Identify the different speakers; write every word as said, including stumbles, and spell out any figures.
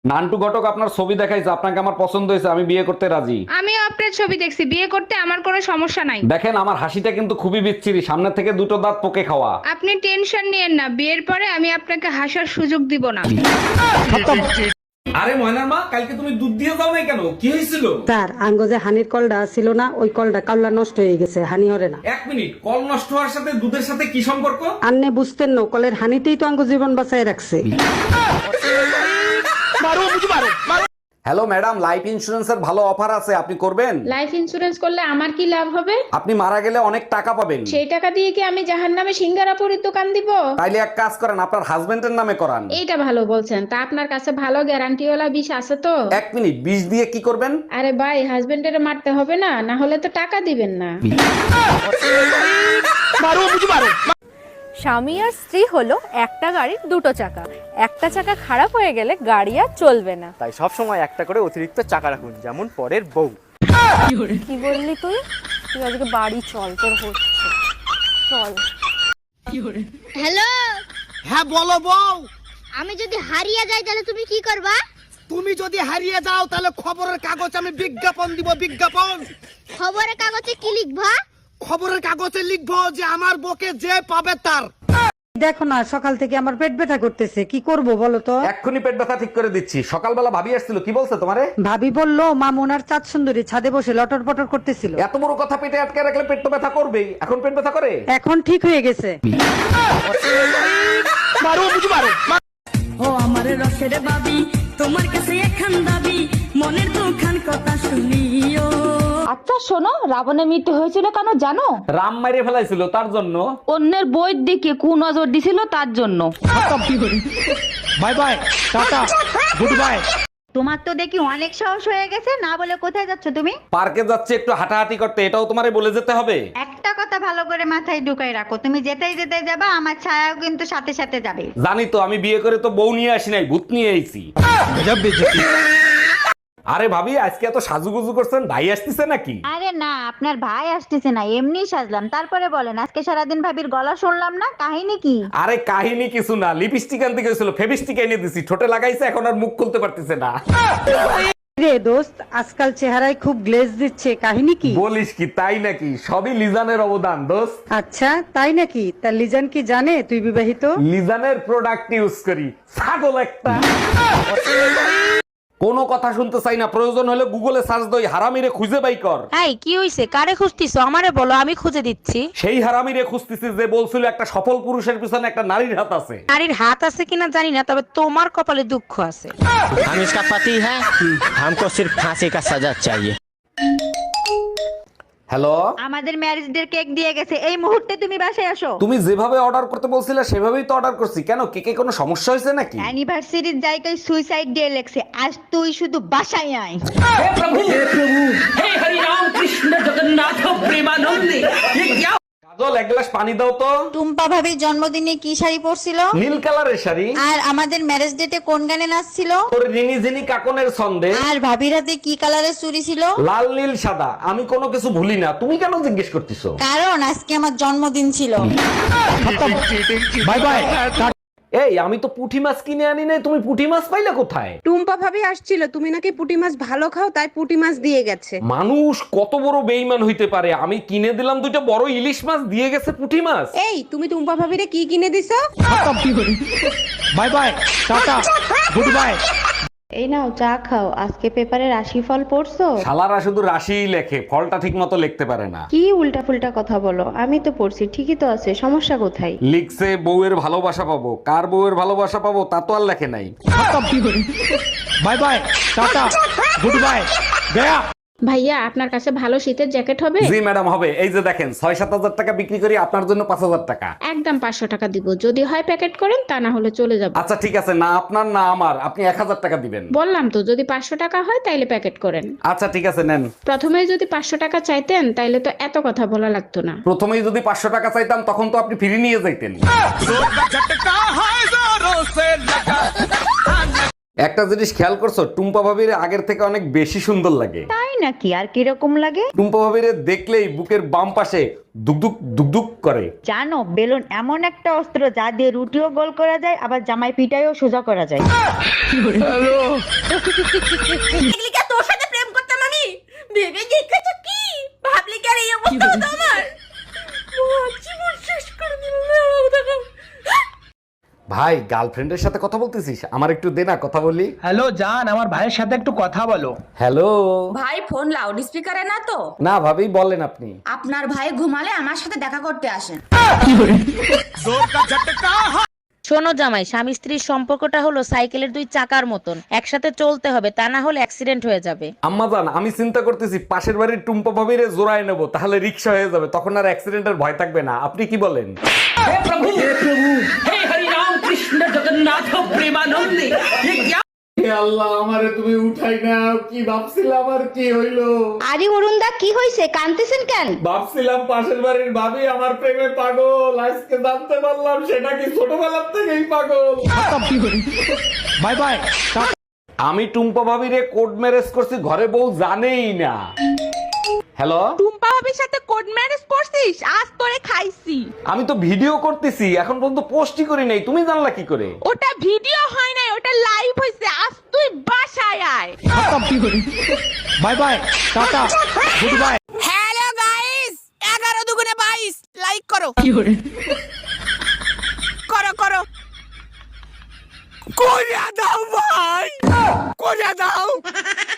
Speaker 1: নান্টু ঘটক আপনার ছবি দেখাইছে, আপনাকে আমার পছন্দ হয়েছে, আমি বিয়ে করতে রাজি।
Speaker 2: আমিও আপনার ছবি দেখছি, বিয়ে করতে আমার কোনো সমস্যা নাই।
Speaker 1: দেখেন আমার হাসিটা কিন্তু খুবই বিচ্ছিরি, সামনে থেকে দুটো দাঁত পোকে খাওয়া।
Speaker 2: আপনি টেনশন নিয়েন না, বিয়ের পরে আমি আপনাকে হাসার সুযোগ দিব না।
Speaker 1: আরে ময়নার মা, কালকে তুমি দুধ দিয়ে যাও নাই কেন? কি হয়েছিল?
Speaker 3: স্যার আঙ্গ যে হানির কলটা ছিল না, ওই কলটা কাল্লা নষ্ট হয়ে গেছে, হানি হরে না।
Speaker 1: এক মিনিট, কল নষ্ট হওয়ার সাথে দুধের সাথে কি সম্পর্ক?
Speaker 3: আন্নে বুঝতেন না, কলের হানিতেই তো আঙ্গ জীবন বাঁচায় রাখছে।
Speaker 1: হ্যালো ম্যাডাম, লাইফ ইন্সুরেন্সের ভালো অফার আছে, আপনি করবেন?
Speaker 2: লাইফ ইন্সুরেন্স করলে আমার কি লাভ হবে?
Speaker 1: আপনি মারা গেলে অনেক টাকা পাবেন।
Speaker 2: সেই টাকা দিয়ে কি আমি জাহান্নামে সিঙ্গারাপুরের দোকান দিব?
Speaker 1: তাইলে এক কাজ করেন, আপনার হাজবেন্ডের নামে করান।
Speaker 2: এইটা ভালো বলছেন, তা আপনার কাছে ভালো গ্যারান্টিওয়ালা বিষ আছে তো?
Speaker 1: এক মিনিট, বিষ দিয়ে কি করবেন?
Speaker 2: আরে ভাই, হাজবেন্ডের মারতে হবে না, না হলে তো টাকা দিবেন না।
Speaker 4: স্বামী আর স্ত্রী হলো একটা গাড়ির দুটো চাকা, একটা চাকা খারাপ হয়ে গেলে গাড়ি আর চলবে না।
Speaker 5: তাই সব সময় একটা করে অতিরিক্ত চাকা রাখুন, যেমন পরের বউ।
Speaker 4: কি বললি তুই? তুই আজকে বাড়ি চল, তোর হচ্ছে চল।
Speaker 6: হ্যালো,
Speaker 7: হ্যাঁ বলো বউ।
Speaker 6: আমি যদি হারিয়ে যাই তাহলে তুমি কি করবা?
Speaker 7: তুমি যদি হারিয়ে যাও তাহলে খবরের কাগজ আমি বিজ্ঞাপন দিব, বিজ্ঞাপন।
Speaker 6: খবরের কাগজে কি লিখবা?
Speaker 7: খবরের কাগজে লিখবো যে আমার বকে যে পাবে তার।
Speaker 3: দেখো না, সকাল থেকে আমার পেট ব্যথা করতেছে, কি করব বলো তো?
Speaker 1: এক্ষুনি পেট ব্যথা ঠিক করে দিচ্ছি। সকালবেলা ভাবি আসছিল, কি বলছে তোমারে?
Speaker 3: ভাবি বললো মামুন আর চাঁদ সুন্দরী ছাদে বসে লটর পটর করতেছিল।
Speaker 1: এত বড় কথা পেটে আটকে রাখলে পেট তো ব্যথা করবেই। এখন পেট ব্যথা করে?
Speaker 3: এখন ঠিক হয়ে গেছে।
Speaker 8: ও আমার রসের বাবি, তোমার কাছে এখান দাবি, মনের দুখান কথা শুনিও।
Speaker 9: আচ্ছা শোনো, রাবণের মৃত্যু হয়েছিল কেন জানো?
Speaker 1: রাম মাইরে ফেলাইছিল তার জন্য।
Speaker 9: অন্যের বইয়ের দিকে কুনজর দিছিল তার জন্য।
Speaker 7: Bye bye, tata, good bye.
Speaker 6: তোমার তো দেখি অনেক সাহস হয়ে গেছে, না বলে কোথায় যাচ্ছ তুমি?
Speaker 1: পার্কে যাচ্ছে একটু হাঁটাহাঁটি করতে, এটাও তোমারে বলে যেতে হবে?
Speaker 6: একটা কথা ভালো করে মাথায় ঢুকাই রাখো, তুমি যেতেই যেতে যাবা, আমার ছায়াও কিন্তু সাথে সাথে যাবে।
Speaker 1: জানি তো, আমি বিয়ে করে তো বউ নিয়ে আসি নাই, ভূত নিয়ে আইছি। আরে ভাবি, আজকে এত সাজুগুজু করছেন, ভাই আসতেছে নাকি?
Speaker 6: আরে না, আপনার ভাই আসতেছে না, এমনি সাজলাম। তারপরে বলেন, আজকে সারাদিন ভাবির গলা শুনলাম না, কাহিনী কি?
Speaker 1: আরে কাহিনী কিছু না, লিপস্টিক আনতে গেছিল, ফেভিস্টিক এনে দিছি, ঠোঁটে লাগাইছে, এখন আর মুখ খুলতে পারতেছে না।
Speaker 3: রে দোস্ত, আজকাল চেহারায় খুব গ্লেজ দিচ্ছে, কাহিনী কি?
Speaker 1: বলিস কি, তাই নাকি? সবই লিজানের অবদান দোস্ত।
Speaker 3: আচ্ছা তাই নাকি? তা লিজান কি জানে তুই বিবাহিত?
Speaker 1: লিজানের প্রোডাক্ট ইউজ করি, ছাগল একটা। কোনো কথা শুনতে চাই না, প্রয়োজন হলে গুগলে সার্চ দই, হারামিরে খুঁজে বাই কর।
Speaker 9: এই কি হইছে? কারে খুঁজতিছো? আমারে বলো, আমি খুঁজে দিচ্ছি।
Speaker 1: সেই হারামিরে খুঁজতেছি যে বলছিল একটা সফল পুরুষের পিছনে একটা নারীর হাত আছে।
Speaker 9: নারীর হাত আছে কিনা জানি না, তবে তোমার কপালে দুঃখ আছে।
Speaker 5: हम इसका पति है, हमको सिर्फ फांसी का सजा चाहिए।
Speaker 1: হ্যালো,
Speaker 6: আমাদের ম্যারেজ ডে কেক দিয়ে গেছে, এই মুহূর্তে তুমি বাসায় আসো।
Speaker 1: তুমি যেভাবে অর্ডার করতে বলছিলে সেভাবেই তো অর্ডার করছি। কেন, কেকে কোনো সমস্যা হয়েছে নাকি?
Speaker 6: অ্যানিভার্সারির জায়গায় সুইসাইড ডে লেখছে, আজ তুই শুধু বাসায় আয়।
Speaker 1: কাজল, এক গ্লাস পানি দাও তো।
Speaker 6: টুম্পা ভাবির জন্মদিনে কি শাড়ি পরছিল?
Speaker 1: নীল কালারের শাড়ি।
Speaker 6: আর আমাদের ম্যারেজ ডেটে কোন গানে নাচছিল?
Speaker 1: তোর রিনি ঝিনি কাকনের ছন্দে।
Speaker 6: আর ভাবির হাতে কি কালারের চুড়ি ছিল?
Speaker 1: লাল নীল সাদা, আমি কোনো কিছু ভুলি না, তুমি কেন জিজ্ঞেস করতেছো?
Speaker 6: কারণ আজকে আমার জন্মদিন ছিল।
Speaker 1: Bye bye. এই, আমি তো পুঁটি মাছ কিনে আনি নাই, তুমি পুঁটি মাছ পাইলে কোথায়?
Speaker 2: টুম্পা ভাবি আসছিল, তুমি নাকি পুঁটি মাছ ভালো খাও, তাই পুঁটি মাছ দিয়ে গেছে।
Speaker 1: মানুষ কত বড় বেইমান হইতে পারে, আমি কিনে দিলাম দুইটা বড় ইলিশ মাছ, দিয়ে গেছে পুঁটি মাছ।
Speaker 2: এই তুমি টুম্পা ভাবিরে কি কিনে দিছো?
Speaker 7: Bye bye, tata, good bye.
Speaker 10: এই নাও চা খাও, আজকে পেপারে রাশিফল পড়ছো?
Speaker 1: শালারা শুধু রাশিই লেখে, ফলটা ঠিক মতো লিখতে পারে না।
Speaker 10: কি উল্টা ফুলটা কথা বলো, আমি তো পড়ছি, ঠিকই তো আছে, সমস্যা কোথায়?
Speaker 1: লিখছে বউয়ের ভালোবাসা পাবো, কার বউয়ের ভালোবাসা পাবো তা তো আর লেখে নাই।
Speaker 7: Bye bye, tata, good bye, গয়া।
Speaker 2: ভাইয়া, আপনার কাছে ভালো শীতের জ্যাকেট হবে?
Speaker 1: জি ম্যাডাম, হবে। এই যে দেখেন, ছয় সাত হাজার টাকা বিক্রি করি, আপনার জন্য পাঁচ হাজার টাকা।
Speaker 2: একদম পাঁচশো টাকা দিব, যদি হয় প্যাকেট করেন, তা না হলে চলে যাব।
Speaker 1: আচ্ছা ঠিক আছে, না আপনার না আমার, আপনি এক হাজার টাকা দিবেন।
Speaker 2: বললাম তো, যদি পাঁচশো টাকা হয় তাইলে প্যাকেট করেন।
Speaker 1: আচ্ছা ঠিক আছে, নেন।
Speaker 2: প্রথমে যদি পাঁচশো টাকা চাইতেন তাইলে তো এত কথা বলা লাগতো না।
Speaker 1: প্রথমেই যদি পাঁচশো টাকা চাইতাম তখন তো আপনি ফিরে নিয়ে যাইতেন। একটা জিনিস খেয়াল করছো, টুম্পা ভাবির আগের থেকে অনেক বেশি সুন্দর লাগে।
Speaker 6: তাই নাকি? আর কিরকম লাগে?
Speaker 1: টুম্পা ভাবিরে দেখলেই বুকের বাম পাশে দুকদুক দুকদুক করে।
Speaker 6: জানো, বেলুন এমন একটা অস্ত্র যা দিয়ে রুটিও গোল করা যায়, আবার জামাই পিটাইও সোজা করা যায়।
Speaker 8: তোর সাথে প্রেম করতাম আমি, ভেবে দেখেছো কি? ভাবলি কি আর এই অবস্থা হতো আমার? জীবন শেষ করে দিল।
Speaker 1: ভাই, গার্লফ্রেন্ডের সাথে কথা বলতেছিস? আমার একটু দে না, কথা বলি।
Speaker 7: হ্যালো জান, আমার ভাইয়ের সাথে একটু কথা বলো।
Speaker 1: হ্যালো।
Speaker 8: ভাই ফোন লাউড স্পিকারে না তো?
Speaker 1: না ভাবি, বলেন আপনি।
Speaker 8: আপনার ভাই ঘুমালে আমার সাথে দেখা করতে আসেন।
Speaker 9: শোনো জামাই, স্বামী স্ত্রীর সম্পর্কটা হলো সাইকেলের দুই চাকার মতন, একসাথে চলতে হবে, তা না হলে অ্যাক্সিডেন্ট হয়ে যাবে।
Speaker 1: আম্মা জান, আমি চিন্তা করতেছি পাশের বাড়ির টুম্পা ভাবিরে জোড়ায় নেবো, তাহলে রিক্সা হয়ে যাবে, তখন আর অ্যাক্সিডেন্টের ভয় থাকবে না। আপনি কি বলেন? আল্লাহ, আমারে তুমি উঠাই নাও। কি ভাবছিলাম আর কি হইলো?
Speaker 10: আরে অরুণদা, কি হয়েছে? কাঁদতেছেন কেন?
Speaker 1: ভাবছিলাম পাশের বাড়ির ভাবি আমার প্রেমে পাগল, আজকে জানতে পারলাম সেটা কি ছোটবেলার থেকেই পাগল।
Speaker 7: Bye bye.
Speaker 1: আমি টুম্পা ভাবিরে কোড ম্যারেজ করছি, ঘরে বউ জানেই না। হ্যালো,
Speaker 2: টুম্পা ভাবির সাথে কোড ম্যারেজ করছিস? আজ তোরে খাইছি।
Speaker 1: আমি তো ভিডিও করতেছি, এখন পর্যন্ত পোস্টই করি নাই, তুমি জানলা কি করে?
Speaker 2: ওটা ভিডিও হয় নাই, ওটা লাইভ হইছে। আজ তুই বাসায় আয়।
Speaker 7: Bye bye, tata, good bye.
Speaker 8: Hello guys, এগারো দুগুণে বাইশ, লাইক করো। করো করো।
Speaker 7: করে দাও ভাই, করে দাও।